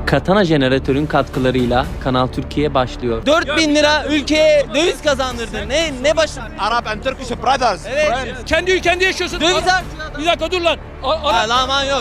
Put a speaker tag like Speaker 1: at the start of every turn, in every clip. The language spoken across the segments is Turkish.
Speaker 1: Katana jeneratörün katkılarıyla Kanal Türkiye başlıyor. 4000 lira ülkeye döviz kazandırdı. Ne başım?
Speaker 2: Arab and Turkish brothers.
Speaker 1: Evet.
Speaker 3: Kendi ülkende yaşıyorsun.
Speaker 1: Döviz
Speaker 3: Bir dakika dur lan.
Speaker 1: Aman yok.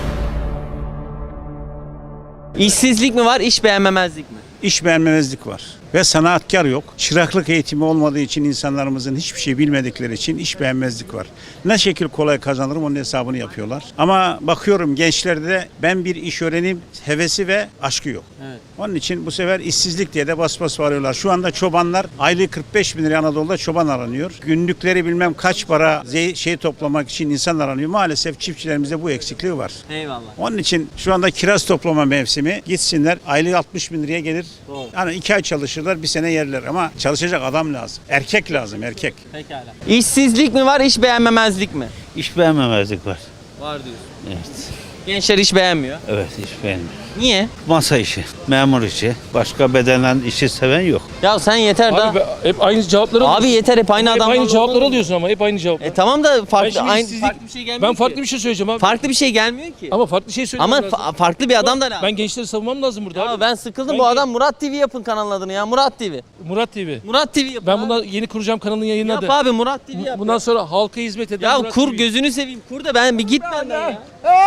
Speaker 1: İşsizlik mi var, iş beğenmemezlik mi?
Speaker 4: İş beğenmemezlik var ve sanaatkar yok. Çıraklık eğitimi olmadığı için insanlarımızın hiçbir şey bilmedikleri için iş beğenmezlik var. Ne şekil kolay kazanırım onun hesabını yapıyorlar. Ama bakıyorum gençlerde ben bir iş öğreneyim hevesi ve aşkı yok.
Speaker 1: Evet.
Speaker 4: Onun için bu sefer işsizlik diye de bas bas varıyorlar. Şu anda çobanlar aylığı 45 bin lira Anadolu'da çoban aranıyor. Günlükleri bilmem kaç para toplamak için insan aranıyor. Maalesef çiftçilerimizde bu eksikliği var.
Speaker 1: Eyvallah.
Speaker 4: Onun için şu anda kiraz toplama mevsimi gitsinler aylığı 60 bin liraya gelir.
Speaker 1: Doğru.
Speaker 4: Yani 2 ay çalışırlar bir sene yerler ama çalışacak adam lazım. Erkek lazım erkek.
Speaker 1: Pekala. İşsizlik mi var, iş beğenmemezlik mi?
Speaker 5: İş beğenmemezlik var.
Speaker 1: Var diyorsun.
Speaker 5: Evet.
Speaker 1: Gençler iş beğenmiyor.
Speaker 5: Evet, iş beğenmiyor.
Speaker 1: Niye?
Speaker 5: Masa işi, memur işi, başka bedenen işi seven yok.
Speaker 1: Ya sen yeter da.
Speaker 3: Abi hep aynı cevapları
Speaker 1: Abi yeter hep aynı
Speaker 3: hep
Speaker 1: adam.
Speaker 3: aynı cevapları alıyorsun ama hep aynı cevaplar.
Speaker 1: Tamam da
Speaker 3: Ben
Speaker 1: farklı
Speaker 3: şimdi
Speaker 1: aynı
Speaker 3: işsizlik-
Speaker 1: farklı bir şey gelmiyor
Speaker 3: Ben farklı
Speaker 1: ki.
Speaker 3: bir şey söyleyeceğim abi.
Speaker 1: Farklı bir şey gelmiyor ki.
Speaker 3: Ama farklı şey söyleyeceğim.
Speaker 1: Ama farklı bir adam da lazım.
Speaker 3: Ben gençleri savunmam lazım burada
Speaker 1: Ya
Speaker 3: abi.
Speaker 1: ben sıkıldım
Speaker 3: Ben
Speaker 1: bu
Speaker 3: gen-
Speaker 1: adam Murat TV yapın kanalın adını ya Murat TV.
Speaker 3: Murat TV.
Speaker 1: Murat TV yapın.
Speaker 3: Ben
Speaker 1: abi.
Speaker 3: bundan yeni kuracağım kanalın yayını
Speaker 1: Yap
Speaker 3: adı.
Speaker 1: abi Murat TV yap.
Speaker 3: Bundan sonra halka hizmet eden
Speaker 1: ya
Speaker 3: Murat
Speaker 1: kur
Speaker 3: TV.
Speaker 1: gözünü seveyim kur da ben bir git benden ya.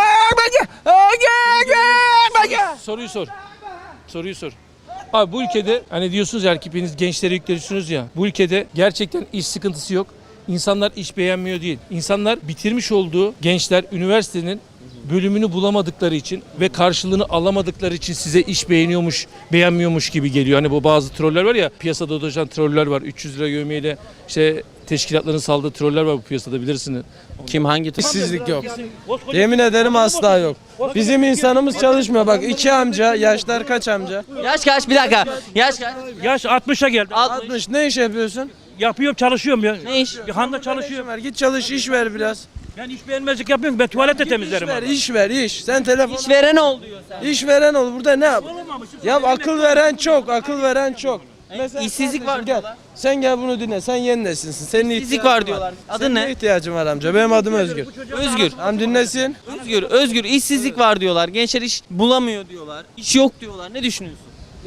Speaker 3: Soruyu sor. Soruyu sor. Abi bu ülkede hani diyorsunuz ya hepiniz gençlere yükleniyorsunuz ya. Bu ülkede gerçekten iş sıkıntısı yok. İnsanlar iş beğenmiyor değil. İnsanlar bitirmiş olduğu gençler üniversitenin bölümünü bulamadıkları için ve karşılığını alamadıkları için size iş beğenmiyormuş gibi geliyor. Hani bu bazı troller var ya, piyasada dolaşan troller var. 300 lira yevmiyeyle işte teşkilatların saldığı troller var bu piyasada bilirsiniz.
Speaker 1: Kim hangi
Speaker 6: İşsizlik yok. Yemin ederim asla yok. Bizim insanımız çalışmıyor. Bak iki amca, yaşlar kaç amca?
Speaker 1: Yaş kaç bir dakika. Yaş kaç?
Speaker 7: Yaş 60'a geldi.
Speaker 6: 60. Ne iş yapıyorsun?
Speaker 7: Yapıyorum, çalışıyorum ya.
Speaker 1: Ne iş?
Speaker 7: Handa çalışıyorum.
Speaker 6: Ver, git çalış, iş ver biraz.
Speaker 7: Ben iş beğenmezlik yapıyorum. Ben tuvalete temizlerim.
Speaker 6: İş ver,
Speaker 7: abi.
Speaker 6: iş ver, iş. Sen telefon...
Speaker 1: İşveren ol diyor sen.
Speaker 6: İş veren ol. Burada ne yap? Ya akıl veren çok, akıl veren çok. Mesela
Speaker 1: İşsizlik var
Speaker 6: kardeşim gel.
Speaker 1: diyorlar.
Speaker 6: Sen gel bunu dinle. Sen yeni nesilsin. Senin
Speaker 1: İşsizlik
Speaker 6: ihtiyacın
Speaker 1: var diyorlar. Adın
Speaker 6: Senin
Speaker 1: ne?
Speaker 6: ihtiyacın var amca? Benim adım Özgür.
Speaker 1: Özgür.
Speaker 6: Tamam dinlesin.
Speaker 1: Özgür işsizlik var diyorlar. Gençler iş bulamıyor diyorlar. İş yok diyorlar. Ne düşünüyorsun?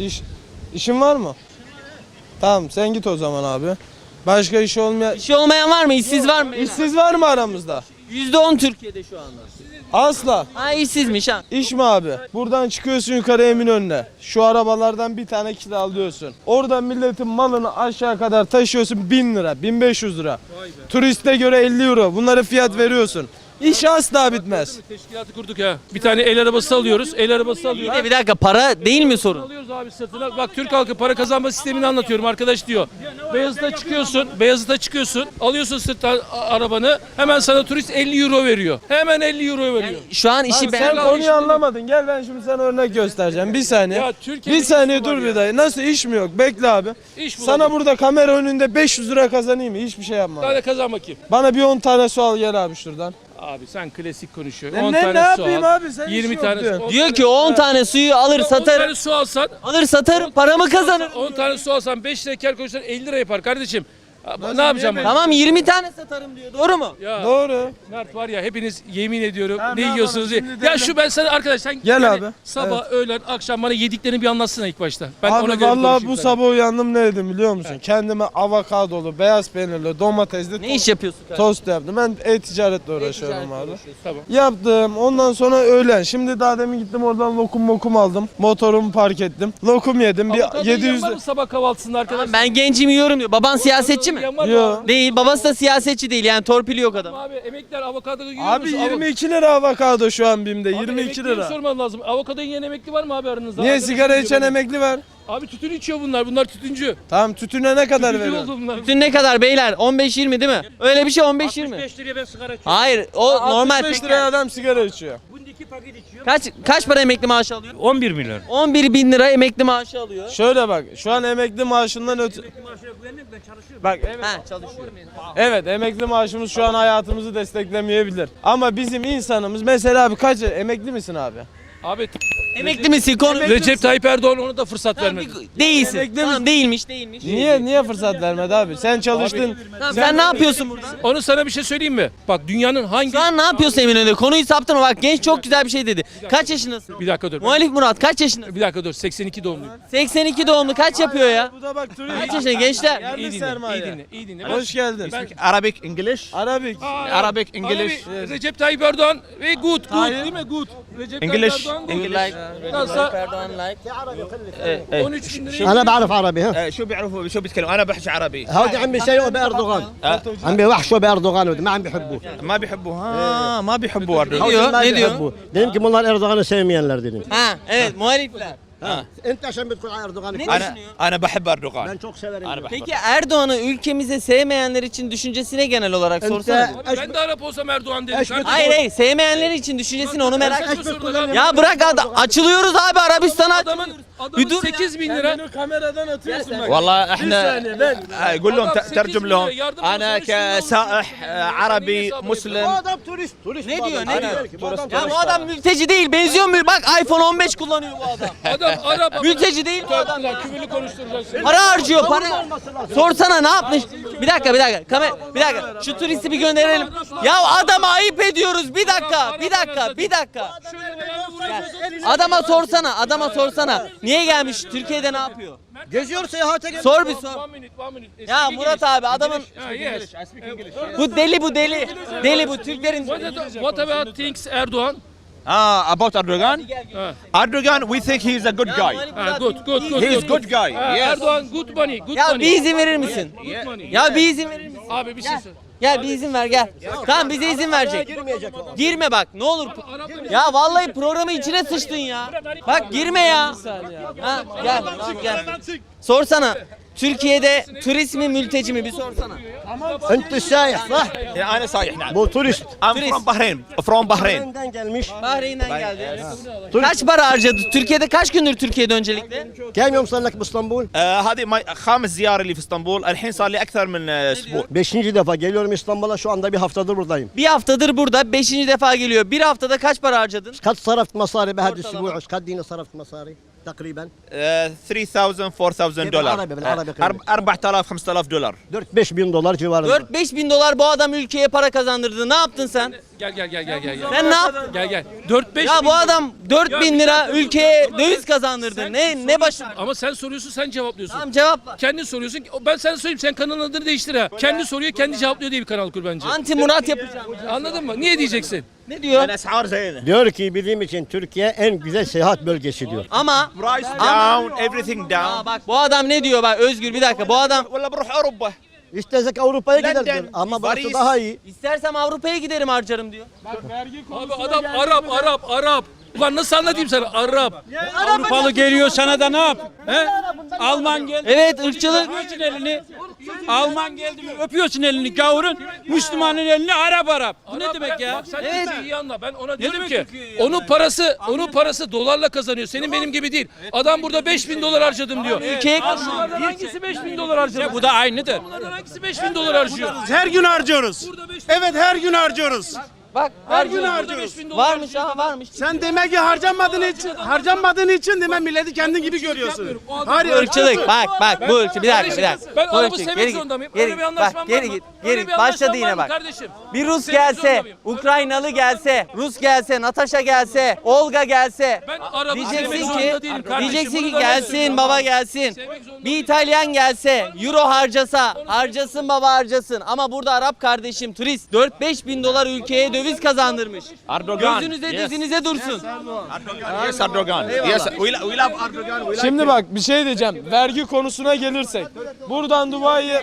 Speaker 6: İşin var mı? Tamam sen git o zaman abi. Başka iş olmayan...
Speaker 1: İşi olmayan var mı? İşsiz var mı?
Speaker 6: İşsiz var mı aramızda?
Speaker 1: %10 Türkiye'de şu anda.
Speaker 6: Asla.
Speaker 1: Ha işsizmiş ha.
Speaker 6: İş mi abi? Buradan çıkıyorsun yukarı Eminönü'ne. Şu arabalardan bir tane kiralıyorsun. Oradan milletin malını aşağı kadar taşıyorsun 1000 lira, 1500 lira. Turiste göre 50 euro. Bunlara fiyat veriyorsun. İş asla bitmez.
Speaker 3: Teşkilatı kurduk ya. Bir tane el arabası alıyoruz. El arabası alıyoruz.
Speaker 1: Bir dakika para değil mi sorun?
Speaker 3: Alıyoruz abi sırtına. Bak Türk halkı para kazanma sistemini anlatıyorum arkadaş diyor. Beyazıt'a çıkıyorsun. Alıyorsun sırttan arabanı. Hemen sana turist 50 euro veriyor. Hemen 50 euro veriyor.
Speaker 1: Şu an işi
Speaker 6: Sen
Speaker 1: ben
Speaker 6: konuyu anlamadın. Gel ben şimdi sana örnek göstereceğim. Bir saniye.
Speaker 3: Ya Türkiye'de
Speaker 6: Bir saniye
Speaker 3: iş mi var
Speaker 6: dur
Speaker 3: ya?
Speaker 6: bir dayı. Nasıl iş mi yok? Bekle abi.
Speaker 3: İş
Speaker 6: Sana
Speaker 3: bulalım.
Speaker 6: burada kamera önünde 500 lira kazanayım mı? Hiçbir şey yapma.
Speaker 3: Hadi kazan bakayım.
Speaker 6: Bana bir 10 tane su al gel abi şuradan.
Speaker 3: Abi sen klasik konuşuyorsun. 10
Speaker 6: Ne
Speaker 3: tane su
Speaker 6: yapayım
Speaker 3: al.
Speaker 6: abi? Sen
Speaker 3: 20
Speaker 6: iş
Speaker 3: tane
Speaker 6: yok diyorsun.
Speaker 1: diyor ki 10 tane suyu alır
Speaker 3: 10
Speaker 1: satarım.
Speaker 3: tane su alsan,
Speaker 1: Alır satarım paramı kazanırım.
Speaker 3: 10 tane su alsan 5 lira kar koysan 50 lira yapar kardeşim. Ne yapacağım ben?
Speaker 1: Tamam 20 tane satarım diyor. Doğru mu?
Speaker 3: Ya
Speaker 6: Doğru.
Speaker 3: Mert var ya hepiniz yemin ediyorum
Speaker 6: Tamam,
Speaker 3: ne
Speaker 6: ne
Speaker 3: yiyorsunuz diye.
Speaker 6: yapalım? Şimdi
Speaker 3: Ya
Speaker 6: devlet-
Speaker 3: şu ben sana arkadaş sen
Speaker 6: Gel abi.
Speaker 3: sabah öğlen akşam bana yediklerini bir anlatsana ilk başta. Ben ona
Speaker 6: Abi
Speaker 3: göre
Speaker 6: vallahi
Speaker 3: konuşayım
Speaker 6: bu
Speaker 3: sana.
Speaker 6: sabah uyandım ne yedim biliyor musun? Kendime avokadolu, beyaz peynirli, domatesli
Speaker 1: Ne iş yapıyorsun kardeşim?
Speaker 6: tost yaptım. Ben e-ticaretle uğraşıyorum abi.
Speaker 3: Tamam.
Speaker 6: Yaptım. Ondan sonra öğlen. Şimdi daha demin gittim oradan lokum aldım. Motorumu park ettim. Lokum yedim. Bir
Speaker 3: Avokado
Speaker 6: 700
Speaker 3: yiyen var mı sabah kahvaltısında arkadaş?
Speaker 1: Ben gencim yiyorum diyor. Baban siyasetçi mi?
Speaker 3: Yiyen var mı
Speaker 6: Yo.
Speaker 3: abi?
Speaker 1: Değil. Babası da siyasetçi değil. Yani torpili yok adam.
Speaker 3: Abi emekliler avokado yiyor
Speaker 6: Abi
Speaker 3: musun?
Speaker 6: 22 lira avokado şu an BİM'de.
Speaker 3: Abi
Speaker 6: 22
Speaker 3: emekliye
Speaker 6: lira.
Speaker 3: sorman lazım. Avokado yiyen emekli var mı abi aranızda?
Speaker 6: Niye
Speaker 3: Arkadaşım
Speaker 6: sigara
Speaker 3: diyor
Speaker 6: içen
Speaker 3: bana.
Speaker 6: emekli var?
Speaker 3: Abi tütün içiyor bunlar. Bunlar tütüncü.
Speaker 6: Tamam tütüne ne kadar
Speaker 3: Tütüncü
Speaker 6: veriyorsun?
Speaker 3: oldu bunlar.
Speaker 1: Dün ne kadar beyler? 15-20 değil mi? Öyle bir şey 15-20.
Speaker 7: 5 liraya ben sigara içiyorum.
Speaker 1: Hayır o normal.
Speaker 6: 65 liraya adam sigara içiyor.
Speaker 7: Bunda 2 paket içiyorum.
Speaker 1: Kaç para emekli maaşı alıyor?
Speaker 7: 11 milyon.
Speaker 1: 11 bin lira emekli maaşı alıyor.
Speaker 6: Şöyle bak şu an emekli maaşından
Speaker 7: Maaşına güvenmiyorum, ben çalışıyorum.
Speaker 6: Bak
Speaker 1: Ha çalışıyor.
Speaker 6: evet emekli maaşımız şu an hayatımızı desteklemeyebilir. Ama bizim insanımız mesela abi kaç emekli misin abi?
Speaker 3: Abi
Speaker 1: Emekli misin? Konu
Speaker 3: Recep Tayyip Erdoğan ona da fırsat
Speaker 1: Tamam,
Speaker 3: vermedi.
Speaker 1: değilsin. Tamam, değilmiş.
Speaker 6: Niye fırsat vermedi abi? Sen çalıştın.
Speaker 1: Tamam, sen ne yapıyorsun burada?
Speaker 3: Onu sana bir şey söyleyeyim mi? Bak dünyanın hangi...
Speaker 1: Şu an ne yapıyorsun Eminönü'nde? Konuyu saptırma bak, genç çok güzel bir şey dedi. Kaç yaşındasın?
Speaker 3: Bir dakika dur.
Speaker 1: Muhalif Murat kaç yaşındasın?
Speaker 3: Bir dakika dur. 82 doğumluyum.
Speaker 1: 82 doğumlu kaç yapıyor ya?
Speaker 6: Bu da bak turist.
Speaker 1: Kaç yaşında gençler?
Speaker 6: Yerli
Speaker 3: İyi dinle,
Speaker 6: sermaye.
Speaker 3: iyi dinle, iyi dinle.
Speaker 6: Hoş geldin.
Speaker 2: Arabic, English.
Speaker 6: Arabik.
Speaker 2: Arabic, English.
Speaker 3: Abi, Recep Tayyip Erdoğan ve good
Speaker 6: Hayır.
Speaker 3: değil mi? Good. Recep
Speaker 2: English.
Speaker 3: Tayyip Erdoğan
Speaker 2: English.
Speaker 3: Nasıl?
Speaker 1: Erdoğan like.
Speaker 3: 13 bin liraya...
Speaker 8: انا بعرف عربي ها
Speaker 2: شو بيعرفوا شو بيتكلموا؟ انا بحكي عربي.
Speaker 8: هودي عم بيسيئوا باردوغان عم بيوحشوا باردوغان ما عم بيحبوه
Speaker 2: ما بيحبوا ما بيحبوا أردوغان.
Speaker 1: Ne diyor?
Speaker 8: ما
Speaker 1: Ne diyor?
Speaker 8: بيحبوه dedim ki bunlar Erdoğan'ı sevmeyenler dedim.
Speaker 1: Ha evet, muhalifler.
Speaker 8: انت عشان بتقول على Erdoğan'ı
Speaker 1: Ne
Speaker 2: انا
Speaker 1: düşünüyor?
Speaker 2: انا بحب اردوغان.
Speaker 8: ben çok severim.
Speaker 2: انا بحب.
Speaker 1: Peki Erdoğan'ı ülkemize sevmeyenler için düşüncesine genel olarak sorsana.
Speaker 3: Abi ben de Arap olsam Erdoğan dedim. Kardeşim.
Speaker 1: Hayır, sevmeyenler için düşüncesini onu merak
Speaker 3: Saçma sorular abi.
Speaker 1: Ya bırak açılıyoruz abi Arabistan'a.
Speaker 3: Adamın
Speaker 1: Bir dur
Speaker 3: 8 bin lira.
Speaker 6: Beni kameradan atıyorsun bak.
Speaker 2: والله
Speaker 6: Bir
Speaker 2: احنا
Speaker 6: saniye ben.
Speaker 2: قول لهم
Speaker 3: Adam 8
Speaker 2: ترجم
Speaker 3: bin
Speaker 2: لهم.
Speaker 3: lira yardım
Speaker 2: انا
Speaker 3: olsun, şundan
Speaker 2: كسائح عربي
Speaker 8: Bu
Speaker 2: مسلم.
Speaker 8: adam turist. Turist
Speaker 1: Ne
Speaker 8: bu
Speaker 1: diyor,
Speaker 8: adam.
Speaker 1: ne
Speaker 8: Aynen.
Speaker 1: diyor?
Speaker 8: Bu adam
Speaker 1: Ya
Speaker 8: turist.
Speaker 1: bu adam mülteci değil, benziyor mu? Bak iPhone 15 kullanıyor bu adam.
Speaker 3: Adam Arap.
Speaker 1: Mülteci değil bu adam ya.
Speaker 3: Küfürlü konuşturacaksın.
Speaker 1: Para harcıyor, para. Sorsana ne yapmış? Bir dakika. Bir dakika. Şu turisti bir gönderelim. Ya adama ayıp ediyoruz. Bir dakika. Adama sorsana. Niye gelmiş? Türkiye'de ne yapıyor?
Speaker 8: Geziyor seyahate geliyor.
Speaker 1: Sor bir sor.
Speaker 3: One minute.
Speaker 1: Ya Murat abi adamın
Speaker 3: Yes.
Speaker 1: bu deli. Deli bu Türklerin.
Speaker 3: What about things Erdoğan?
Speaker 2: About Erdogan. Erdogan, we think he is a good guy.
Speaker 3: Good.
Speaker 2: He is good guy. Yes.
Speaker 3: Erdoğan good money.
Speaker 1: Ya bir izin verir misin?
Speaker 3: Good money.
Speaker 1: Ya bir izin verir misin?
Speaker 3: Abi bir şey söyle.
Speaker 1: Gel bir izin ver gel. Tamam bize izin verecek. Girme bak ne olur. Ya vallahi programı içine sıçtın ya. Bak girme ya. Ha, gel tamam gel. Sorsana. Türkiye'de turist mi mülteci mi bir sorsana.
Speaker 8: انت السايح صح؟
Speaker 2: انا صايح نعم.
Speaker 8: Bu turist.
Speaker 2: I'm from Bahrain. From Bahrain.
Speaker 8: Bahreyn'den gelmiş.
Speaker 1: Bahreyn'den geldi. Kaç para harcadı? Türkiye'de kaç gündür Türkiye'de öncelikle?
Speaker 8: كم يوم صار لك باسطنبول؟
Speaker 2: هذه خامس زياره لي في اسطنبول. الحين صار لي اكثر من اسبوع.
Speaker 8: 5. defa geliyorum İstanbul'a, şu anda bir haftadır buradayım.
Speaker 1: Bir haftadır burada 5. defa geliyor. Bir haftada kaç para harcadın?
Speaker 8: قد صرفت مصاري بهذا الاسبوع؟ ايش قد صرفت مصاري تقريبا؟
Speaker 2: 3000 4000 دولار.
Speaker 8: بالعربي
Speaker 2: 4000 5000 دولار.
Speaker 8: 4-5 bin dolar civarında.
Speaker 1: 4-5 bin dolar bu adam ülkeye para kazandırdı. Ne yaptın sen?
Speaker 3: Gel.
Speaker 1: Sen ne yaptın?
Speaker 3: Gel. 4-5
Speaker 1: Ya bu adam 4 bin lira ülkeye döviz kazandırdı. Ne başım?
Speaker 3: Ama sen soruyorsun, sen cevaplıyorsun.
Speaker 1: Tamam cevapla.
Speaker 3: Kendin soruyorsun. Ben sana söyleyeyim, sen kanalın adını değiştir ha. Kendi soruyor, kendi cevaplıyor diye bir kanal kur bence.
Speaker 1: Anti Murat yapacağım.
Speaker 3: Anladın mı? Niye diyeceksin?
Speaker 1: Ne diyor?
Speaker 2: الاسعار زينه.
Speaker 8: Diyor ki bizim için Türkiye en güzel seyahat bölgesi diyor.
Speaker 1: Ama
Speaker 2: Price down, everything down.
Speaker 1: Aa, bak bu adam ne diyor bak Özgür bir dakika bu adam
Speaker 2: ولا بروح اوروبا.
Speaker 8: İstesek Avrupa'ya
Speaker 2: London,
Speaker 8: gider diyor. Ama burası
Speaker 2: Paris.
Speaker 8: daha iyi.
Speaker 1: istersem Avrupa'ya giderim harcarım diyor.
Speaker 3: Abi adam Arap. Ulan nasıl anlatayım sana? Arap.
Speaker 7: Avrupalı geliyor sana da ne yap? He? Alman geldi.
Speaker 1: Evet ırkçılık.
Speaker 7: Öpüyorsun elini. Alman geldi mi öpüyorsun elini gavurun. Müslümanın elini Arap. Bu ne demek ya?
Speaker 3: Bak sen
Speaker 1: Evet.
Speaker 3: Türkiye'yi iyi anla. Ben ona diyorum
Speaker 7: demek
Speaker 3: ki
Speaker 7: Türkiye'yi
Speaker 3: onun parası dolarla kazanıyor. Senin benim gibi değil. Adam burada 5000 dolar harcadım diyor.
Speaker 1: Ülkeye
Speaker 3: Bunlardan hangisi 5000 dolar harcadı?
Speaker 7: Bu da aynıdır.
Speaker 3: Bunlardan hangisi 5000 dolar harcıyor?
Speaker 9: Her gün harcıyoruz. Evet her gün harcıyoruz.
Speaker 1: bak
Speaker 9: Her gün
Speaker 1: harcıyor.
Speaker 9: harcıyoruz.
Speaker 1: Varmış aha varmış.
Speaker 9: Sen demek ki harcanmadığın için demek milleti kendin gibi görüyorsun. Hayır
Speaker 1: Bu ırkçılık bak bu ırkçılık bir dakika.
Speaker 3: Ben
Speaker 1: Bu
Speaker 3: arabı
Speaker 1: ırkçılık.
Speaker 3: sevmek
Speaker 1: Geri git,
Speaker 3: zorunda mıyım?
Speaker 1: geri
Speaker 3: Öyle bir
Speaker 1: git.
Speaker 3: anlaşmam
Speaker 1: Bak, geri
Speaker 3: var mı?
Speaker 1: git.
Speaker 3: Öyle
Speaker 1: Geri
Speaker 3: bir
Speaker 1: başladı
Speaker 3: anlaşmam
Speaker 1: yine
Speaker 3: var mı
Speaker 1: bak.
Speaker 3: kardeşim?
Speaker 1: Bir Rus
Speaker 3: Sevmek zorunda
Speaker 1: gelse,
Speaker 3: mıyım?
Speaker 1: Ukraynalı gelse, Rus gelse, Natasha gelse, Olga gelse.
Speaker 3: Ben arabı sevmek
Speaker 1: Diyeceksin
Speaker 3: zorunda
Speaker 1: ki,
Speaker 3: değilim kardeşim.
Speaker 1: diyeceksin
Speaker 3: Bunu
Speaker 1: ki
Speaker 3: da ben
Speaker 1: gelsin
Speaker 3: söylüyorum.
Speaker 1: baba gelsin.
Speaker 3: Sevmek zorunda
Speaker 1: Bir İtalyan gelse, euro harcasa, harcasın baba harcasın. Ama burada Arap kardeşim turist 4-5 bin dolar ülkeye döviz kazandırmış.
Speaker 2: Erdogan.
Speaker 1: Gözünüze dizinize dursun.
Speaker 2: Yes Erdogan. Yes. We love Erdogan. We like
Speaker 6: Şimdi bak bir şey diyeceğim. Vergi konusuna gelirsek. Buradan Dubai'ye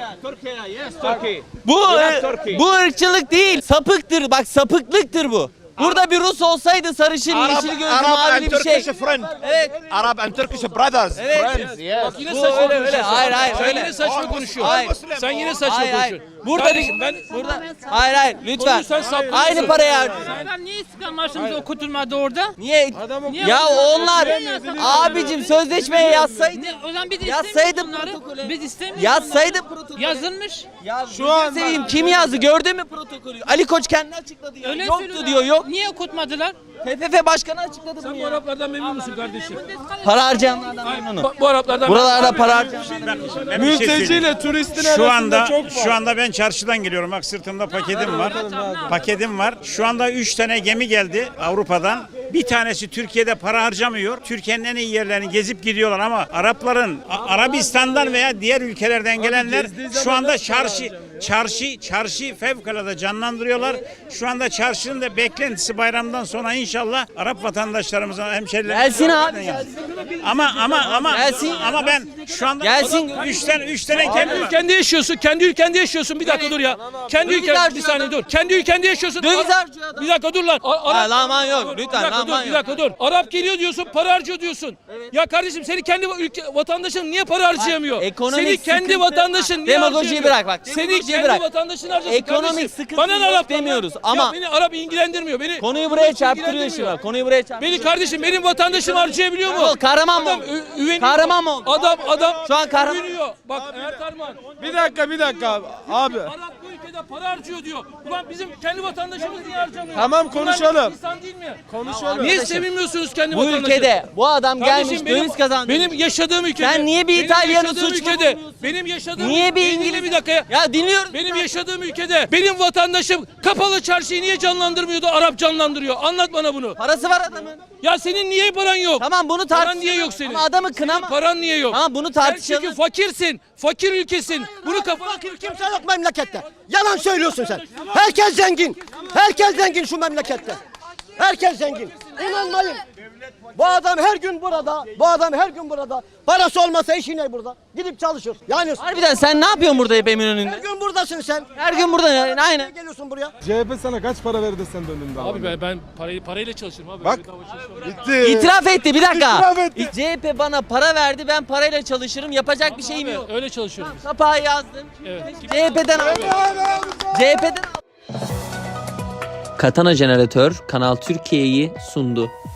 Speaker 1: Bu ırkçılık değil, sapıktır. Bak sapıklıktır bu. Burada bir Rus olsaydı sarışın, yeşil gözlü,
Speaker 2: Arab
Speaker 1: mavili
Speaker 2: and
Speaker 1: bir şey.
Speaker 2: Turkish friend.
Speaker 1: Evet.
Speaker 2: Arab and Turkish brothers.
Speaker 1: Evet.
Speaker 2: Friends. Yes.
Speaker 3: Bak yine
Speaker 1: Bu
Speaker 3: saçma
Speaker 1: öyle,
Speaker 3: konuşuyorsun.
Speaker 1: hayır,
Speaker 3: Sen
Speaker 1: öyle.
Speaker 3: yine saçma konuşuyorsun.
Speaker 1: Hayır.
Speaker 3: Sen yine saçma
Speaker 1: Hayır.
Speaker 3: konuşuyorsun.
Speaker 1: Burada
Speaker 3: Kardeşim ben
Speaker 1: burada hayır lütfen.
Speaker 3: Konuyu sen saptırıyorsun.
Speaker 1: Aynı parayı harcıyorsun.
Speaker 10: Niye İstiklal Marşımız okutulmadı orada?
Speaker 1: Niye? Ya onlar abicim sözleşmeye yazsaydı.
Speaker 10: O zaman biz
Speaker 1: Yazsaydı
Speaker 10: istemiyoruz bunları.
Speaker 1: protokolü.
Speaker 10: Biz istemiyoruz.
Speaker 1: Yazsaydı
Speaker 10: bunları.
Speaker 1: protokolü.
Speaker 10: Yazılmış.
Speaker 1: Ya
Speaker 6: Şu an
Speaker 1: seveyim kim yazdı gördün mü protokolü? Ali Koç kendi açıkladı ya.
Speaker 10: Öyle
Speaker 1: Yoktu
Speaker 10: söylüyorlar.
Speaker 1: diyor yok.
Speaker 10: Niye okutmadılar?
Speaker 1: TFF başkanı açıkladı bunu
Speaker 3: Sen bu
Speaker 1: ya.
Speaker 3: Araplardan memnun musun kardeşim?
Speaker 1: Para harcayanlardan memnunum.
Speaker 3: Bu Araplardan
Speaker 1: Buralarda para harcayan.
Speaker 4: Ben bir şey söyleyeyim.
Speaker 6: Mülteciyle turistin
Speaker 4: Şu
Speaker 6: arasında çok var.
Speaker 4: şu anda ben çarşıdan geliyorum. Bak sırtımda paketim var. Paketim var. Şu anda 3 tane gemi geldi Avrupa'dan. Bir tanesi Türkiye'de para harcamıyor. Türkiye'nin en iyi yerlerini gezip gidiyorlar ama Arapların Arabistan'dan veya diğer ülkelerden gelenler şu anda çarşı fevkalade canlandırıyorlar. Şu anda çarşının da beklentisi bayramdan sonra inşallah Arap vatandaşlarımıza, hemşerilerimize
Speaker 1: Gelsin abi. Gelsin.
Speaker 4: ama ben şu anda
Speaker 1: Gelsin.
Speaker 4: 3 tane gemi var.
Speaker 3: Ülkende yaşıyorsun, kendi ülkende yaşıyorsun. Bir dakika dur ya. Kendi
Speaker 1: Döviz
Speaker 3: ülkende, bir
Speaker 1: harcıyor
Speaker 3: saniye
Speaker 1: adam.
Speaker 3: dur. Kendi ülkende yaşıyorsun.
Speaker 1: Döviz
Speaker 3: Arap-
Speaker 1: harcıyor adam.
Speaker 3: Bir dakika dur lan.
Speaker 1: Ha, laman yok.
Speaker 3: Bir
Speaker 1: Lütfen
Speaker 3: dakika
Speaker 1: laman
Speaker 3: dur, bir
Speaker 1: yok.
Speaker 3: dakika dur. Arap geliyor diyorsun, para harcıyor diyorsun. Ya kardeşim senin kendi ülke vatandaşın niye para harcayamıyor?
Speaker 1: ekonomik
Speaker 3: Senin kendi
Speaker 1: sıkıntı-
Speaker 3: vatandaşın niye
Speaker 1: Demagojiyi
Speaker 3: harcayamıyor?
Speaker 1: bırak bak,
Speaker 3: Senin
Speaker 1: demagojiyi
Speaker 3: kendi
Speaker 1: bırak.
Speaker 3: vatandaşın harcasın
Speaker 1: Ekonomik
Speaker 3: kardeşim.
Speaker 1: sıkıntı
Speaker 3: Bana ne
Speaker 1: yok
Speaker 3: Arap'tan
Speaker 1: demiyoruz
Speaker 3: ya?
Speaker 1: ama-
Speaker 3: Ya beni Arap ilgilendirmiyor.
Speaker 1: Konuyu buraya çarptırıyor şimdi bak. Konuyu buraya çarptırıyor.
Speaker 3: Beni kardeşim benim vatandaşım harcayabiliyor mu?
Speaker 1: Ol, kahraman mı
Speaker 3: Adam
Speaker 1: oldu?
Speaker 3: üveniyor.
Speaker 1: Kahraman mı oldu?
Speaker 3: Adam
Speaker 1: Şu an kahraman.
Speaker 3: üveniyor. Bak Ertarman.
Speaker 6: Bir dakika abi.
Speaker 3: Arap bu ülkede para harcıyor diyor. Ulan bizim kendi vatandaşımız niye harcamıyor?
Speaker 6: Tamam,
Speaker 3: Bunlar
Speaker 6: konuşalım.
Speaker 3: insan değil mi?
Speaker 6: Konuşalım.
Speaker 3: Niye sevinmiyorsunuz kendi
Speaker 1: Bu
Speaker 3: vatandaşınız?
Speaker 1: ülkede bu adam
Speaker 3: Kardeşim
Speaker 1: gelmiş
Speaker 3: benim-
Speaker 1: döviz kazandı.
Speaker 3: Benim yaşadığım ülkede.
Speaker 1: Sen niye bir
Speaker 3: benim
Speaker 1: İtalyanı
Speaker 3: yaşadığım
Speaker 1: suçlu
Speaker 3: ülkede.
Speaker 1: buluyorsun?
Speaker 3: Benim yaşadığım
Speaker 1: Niye bir
Speaker 3: Beni dinle
Speaker 1: İngiliz?
Speaker 3: bir dakika ya.
Speaker 1: Ya dinliyoruz.
Speaker 3: Benim yaşadığım ülkede benim vatandaşım kapalı çarşıyı niye canlandırmıyordu? Arap canlandırıyor. Anlat bana bunu.
Speaker 1: Parası var adamın.
Speaker 3: Ya senin niye paran yok?
Speaker 1: Tamam bunu
Speaker 3: Paran
Speaker 1: tartışalım.
Speaker 3: niye yok senin?
Speaker 1: Ama adamı kınama.
Speaker 3: Paran niye yok?
Speaker 1: Tamam bunu
Speaker 3: Sen
Speaker 1: tartışalım.
Speaker 3: çünkü fakirsin. Fakir ülkesin. Bunu kafana
Speaker 8: Fakir kimse yok memlekette. Yalan söylüyorsun sen. Herkes zengin. Herkes zengin şu memlekette. Herkes zengin. İnanmayın. Bu adam her gün burada. Parası olmasa işi ne burada? Gidip çalışır. Yani
Speaker 1: Harbiden sen ne yapıyorsun burada hep
Speaker 8: her
Speaker 1: Eminönü'nde?
Speaker 8: gün buradasın sen.
Speaker 1: Her gün burada yani
Speaker 8: Niye
Speaker 1: aynen.
Speaker 8: geliyorsun buraya?
Speaker 6: CHP sana kaç para verdi sen döndüğünde
Speaker 3: Abi ben parayla çalışırım abi.
Speaker 6: Bak.
Speaker 3: Bedava çalışmam.
Speaker 6: Bitti.
Speaker 1: İtiraf etti bir dakika.
Speaker 6: İtiraf etti.
Speaker 1: CHP bana para verdi ben parayla çalışırım yapacak bir şeyim yok.
Speaker 3: Öyle çalışıyorum.
Speaker 1: Kapağı yazdım.
Speaker 3: Evet.
Speaker 1: CHP'den aldım. CHP'den Katana Jeneratör Kanal Türkiye'yi sundu.